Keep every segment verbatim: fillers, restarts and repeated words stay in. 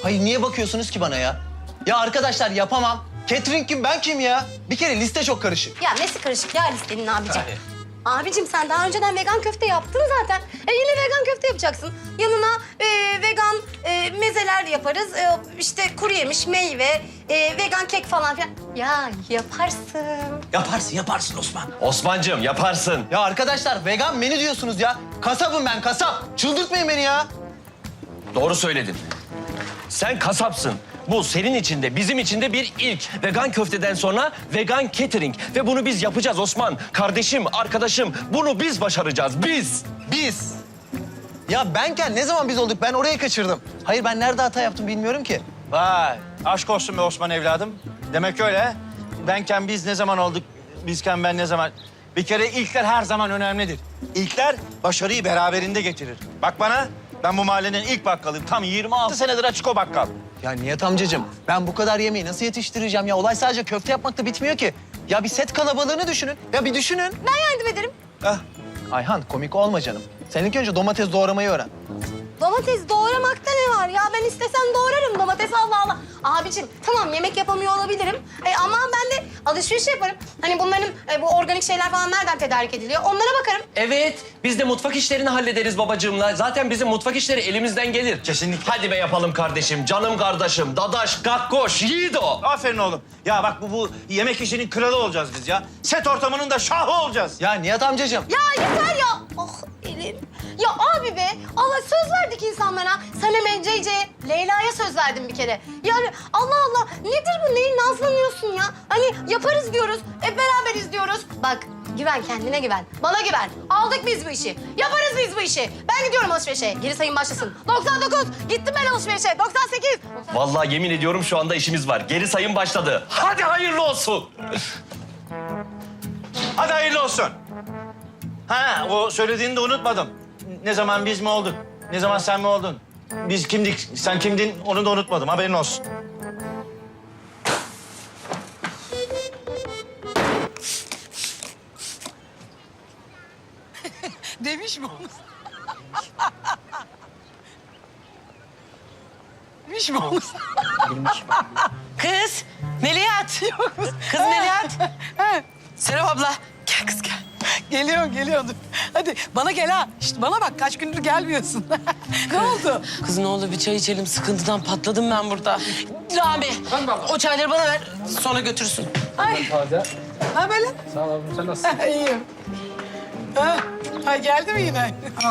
Hayır niye bakıyorsunuz ki bana ya? Ya arkadaşlar yapamam. Catering kim ben kim ya? Bir kere liste çok karışık. Ya nesi karışık ya listenin abicim? Yani. Abicim sen daha önceden vegan köfte yaptın zaten. E yine vegan köfte yapacaksın. Yanına e, vegan e, mezeler yaparız. E, işte kuru yemiş, meyve, e, vegan kek falan filan. Ya yaparsın. Yaparsın yaparsın Osman. Osman'cığım yaparsın. Ya arkadaşlar vegan menü diyorsunuz ya. Kasabım ben kasap. Çıldırtmayın beni ya. Doğru söyledin. Sen kasapsın. Bu senin için de bizim için de bir ilk. Vegan köfteden sonra vegan catering. Ve bunu biz yapacağız Osman. Kardeşim, arkadaşım bunu biz başaracağız. Biz. Biz. Ya benken ne zaman biz olduk? Ben orayı kaçırdım. Hayır ben nerede hata yaptım bilmiyorum ki. Vay, aşk olsun be Osman evladım. Demek öyle. Benken biz ne zaman olduk, bizken ben ne zaman... Bir kere ilkler her zaman önemlidir. İlkler başarıyı beraberinde getirir. Bak bana, ben bu mahallenin ilk bakkalıyım. Tam yirmi altı senedir açık o bakkal. Ya Nihat amcacığım ben bu kadar yemeği nasıl yetiştireceğim ya? Olay sadece köfte yapmakta bitmiyor ki. Ya bir set kalabalığını düşünün. Ya bir düşünün. Ben yardım ederim. Ah, Ayhan komik olma canım. Sen ilk önce domates doğramayı öğren. Domates doğramakta ne var ya? Ben istesem doğrarım domates Allah Allah. Abicim tamam yemek yapamıyor olabilirim. E, ama ben de alışveriş yaparım. Hani bunların e, bu organik şeyler falan nereden tedarik ediliyor? Onlara bakarım. Evet, biz de mutfak işlerini hallederiz babacığımla. Zaten bizim mutfak işleri elimizden gelir. Kesinlikle. Hadi be yapalım kardeşim, canım kardeşim, dadaş, gakkoş, yiğido. aferin oğlum. Ya bak bu, bu yemek işinin kralı olacağız biz ya. Set ortamının da şahı olacağız. Ya Nihat amcacığım. Ya yeter ya. Oh elim. Ya abi be Allah söz verdik insanlara. Sanem Ceyce'ye, Leyla'ya söz verdim bir kere. Yani Allah Allah nedir bu? Neyi nazlanıyorsun ya? Hani yaparız diyoruz, hep beraberiz diyoruz. Bak güven kendine güven, bana güven. Aldık biz bu işi, yaparız biz bu işi. Ben gidiyorum alışverişe, geri sayım başlasın. doksan dokuz, gittim ben alışverişe. doksan sekiz. Vallahi yemin ediyorum şu anda işimiz var. Geri sayım başladı. Hadi hayırlı olsun. Hadi hayırlı olsun. Ha, o söylediğini de unutmadım. Ne zaman biz mi olduk? Ne zaman sen mi oldun? Biz kimdik, sen kimdin onu da unutmadım. Haberin olsun. Demiş mi onu? Demiş mi onu? Kız, Melihat. Kız Melihat. Serap abla, gel kız gel. Geliyorum, geliyorum. Hadi bana gel ha. İşte bana bak, kaç gündür gelmiyorsun. Ne oldu? Kız ne olur bir çay içelim. Sıkıntıdan patladım ben burada. Rami, o çayları bana ver. Sonra götürsün. Ay. Ha böyle? Sağ ol abim, sen nasılsın? İyiyim. Ha, ha geldi mi yine? Al.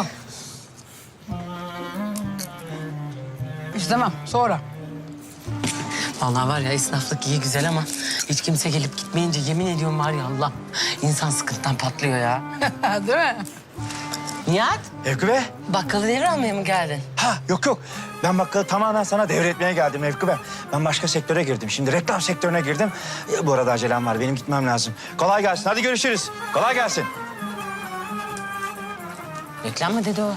İstemem, sonra. Vallahi var ya esnaflık iyi güzel ama hiç kimse gelip gitmeyince yemin ediyorum var ya Allah. İnsan sıkıntıdan patlıyor ya. Değil mi? Nihat, Mevkü Bey. bakkalı devir almaya mı geldin? Ha, yok yok. Ben bakkalı tamamen sana devretmeye geldim Mevkü Bey. Ben başka sektöre girdim. Şimdi reklam sektörüne girdim. E, bu arada acelem var. Benim gitmem lazım. Kolay gelsin. Hadi görüşürüz. Kolay gelsin. Reklam mı dedi o?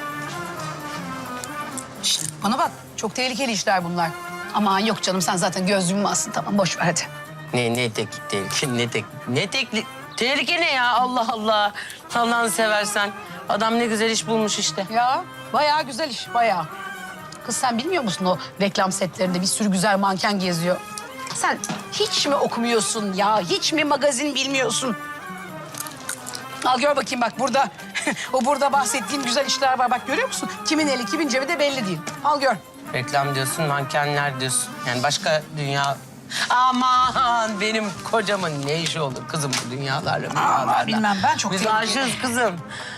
Şişt, bana bak, çok tehlikeli işler bunlar. Aman yok canım, sen zaten gözlüğümü alsın. Tamam, boş ver hadi. Ne ne tek tehlike ne tek ne tekli tehlike ne ya Allah Allah. Allah'ını seversen adam ne güzel iş bulmuş işte. Ya bayağı güzel iş, bayağı. Kız sen bilmiyor musun o reklam setlerinde bir sürü güzel manken geziyor? Sen hiç mi okumuyorsun ya? Hiç mi magazin bilmiyorsun? Al gör bakayım bak burada. O burada bahsettiğim güzel işler var. Bak görüyor musun? Kimin eli kimin cebi de belli değil. Al gör. Reklam diyorsun, mankenler diyorsun. Yani başka dünya... Aman benim kocamın ne işi olur kızım bu dünyalarla, dünyalarla. bilmem, ben çok Biz tehlikeli. aşığız kızım.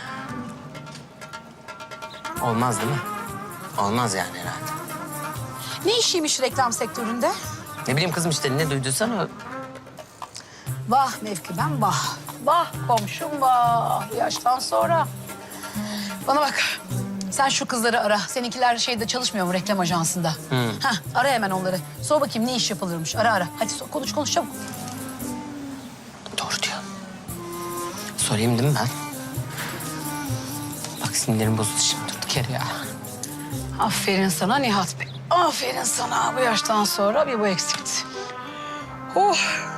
Olmaz değil mi? Olmaz yani herhalde. Ne işiymiş reklam sektöründe? Ne bileyim kızım işte ne duyduysan o. Vah Mevkiben vah. Vah komşum vah. Bu yaştan sonra. Bana bak. Sen şu kızları ara. Seninkiler şeyde çalışmıyor mu reklam ajansında? Hı. Hah, ara hemen onları. Sor bakayım ne iş yapılırmış. Ara ara. Hadi sor, konuş konuş çabuk. Doğru diyor. Sorayım değil mi ben? Bak sinirlerim bozuldu şimdi durduk yere ya. Aferin sana Nihat Bey. Aferin sana. Bu yaştan sonra bir bu eksikti. Oh.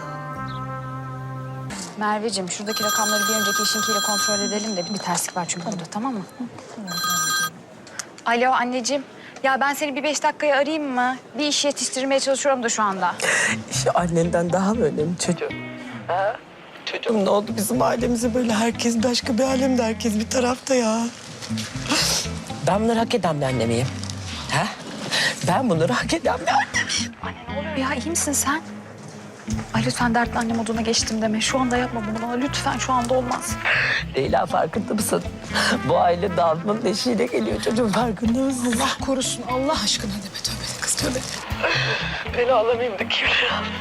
Merveciğim şuradaki rakamları bir önceki işinkiyle kontrol edelim de bir terslik var çünkü burada, tamam mı? Alo anneciğim. Ya ben seni bir beş dakikaya arayayım mı? Bir iş yetiştirmeye çalışıyorum da şu anda. İşte annenden daha mı önemli çocuğum? Ha? Çocuğum ne oldu bizim ailemize böyle herkes başka bir alemde, herkes bir tarafta ya. Ben bunları hak eden bir anne miyim? Ha? Ben bunları hak eden bir anne miyim? Anne ne oluyor ya? İyi misin sen? Ay lütfen dertli anne moduna geçtim deme. Şu anda yapma bunu bana. Lütfen şu anda olmaz. Leyla farkında mısın? Bu aile dağılmanın eşiğine geliyor çocuğum, farkında mısın? Allah korusun Allah aşkına deme tövbe de kız tövbe. Ben ağlamayayım da kim?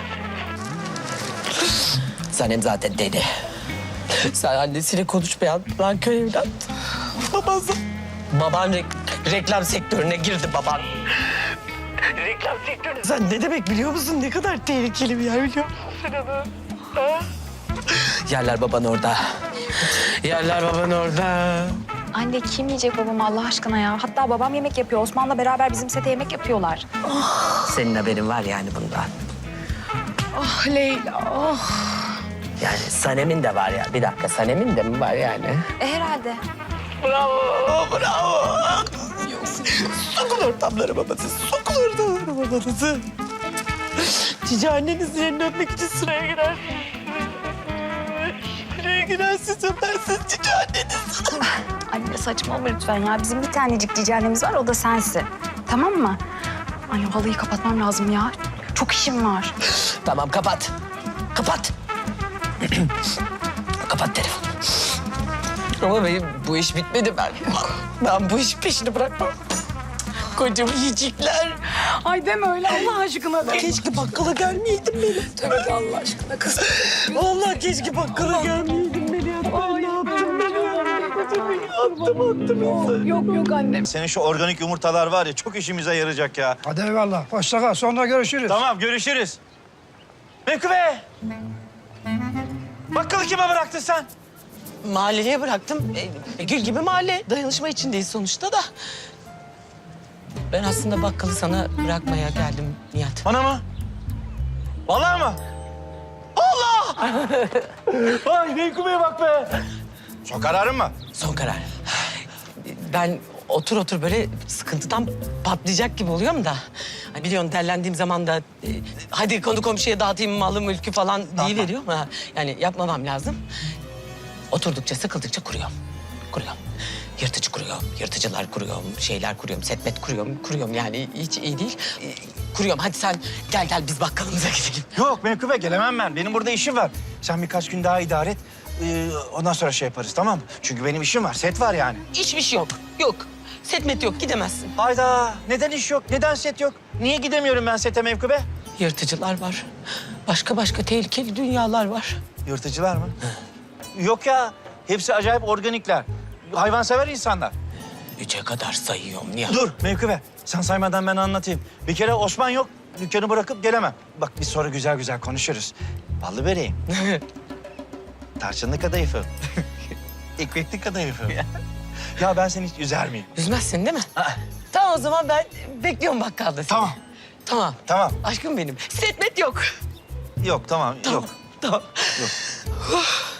Sanem zaten deli. Sen annesiyle konuşmayan lan köy evlat. Baban, baban re- reklam sektörüne girdi baban. Reklam sektörüne. Sen ne demek biliyor musun? Ne kadar tehlikeli bir yer biliyor musun sen onu? Ha? Yerler baban orada. Yerler baban orada. Anne kim yiyecek babamı Allah aşkına ya? Hatta babam yemek yapıyor. Osman'la beraber bizim sete yemek yapıyorlar. Senin haberin var yani bundan. Ah Leyla ah. Yani Sanem'in de var ya. Bir dakika, Sanem'in de mi var yani? E herhalde. Bravo, bravo. Sokul ortamları babası, sokul ortamları babanızı. Cici annenizin elini öpmek için sıraya girersiniz. Sıraya girersiniz, öpersiniz cici anneniz. Anne saçmalama lütfen ya. Bizim bir tanecik cici annemiz var, o da sensin. Tamam mı? Anne halıyı kapatmam lazım ya. Çok işim var. Tamam, kapat. Kapat. Kapat telefonu. Ama benim bu iş bitmedi ben. Ben bu iş peşini bırakmam. Kocam yiyecekler. Ay deme öyle Allah aşkına de. Keşke bakkala gelmeyeydim benim. Tövbe de Allah aşkına kız. Vallahi keşke bakkala gelmeyeydim beni. Ya. Ben ne yaptım ben ya? Attım attım. Yok yok annem. Senin şu organik yumurtalar var ya çok işimize yarayacak ya. Hadi eyvallah. Hoşça kal. Sonra görüşürüz. Tamam görüşürüz. Mekube! Bakkalı kime bıraktın sen? Mahalleye bıraktım. E, gül gibi mahalle. Dayanışma içindeyiz sonuçta da. Ben aslında bakkalı sana bırakmaya geldim Nihat. Bana mı? Vallahi mı? Allah! Ay Mekkube'ye bak be. Son kararın mı? Son karar. Ben otur otur böyle sıkıntıdan patlayacak gibi oluyorum da. Hani biliyorsun derlendiğim zaman da e, hadi konu komşuya dağıtayım malı mülkü falan diye veriyorum ha. Yani yapmamam lazım. Oturdukça sıkıldıkça kuruyorum. Kuruyorum. Yırtıcı kuruyorum, yırtıcılar kuruyorum, şeyler kuruyorum, setmet kuruyorum, kuruyorum yani hiç iyi değil. E, kuruyorum. Hadi sen gel gel biz bakkalımıza gidelim. Yok Mekube gelemem ben. Benim burada işim var. Sen birkaç gün daha idare et. Ee, ondan sonra şey yaparız tamam mı? Çünkü benim işim var. Set var yani. Hiçbir şey yok. Yok. Setmet yok. Gidemezsin. Hayda. Neden iş yok? Neden set yok? Niye gidemiyorum ben sete Mekube? Yırtıcılar var. Başka başka tehlikeli dünyalar var. Yırtıcılar mı? Yok ya. Hepsi acayip organikler. Hayvansever insanlar. Üçe kadar sayıyorum Nihat. Dur Mevkübe. Sen saymadan ben anlatayım. Bir kere Osman yok. Dükkanı bırakıp gelemem. Bak biz sonra güzel güzel konuşuruz. Ballı böreğim. Tarçınlı kadayıfım. Ekmekli kadayıfım. Ya ben seni hiç üzer miyim? Üzmezsin değil mi? Aa. Tamam o zaman ben bekliyorum bakkalda seni. Tamam. Tamam. Tamam. Aşkım benim. Setmet yok. Yok tamam. Tamam. Yok. Tamam. Yok.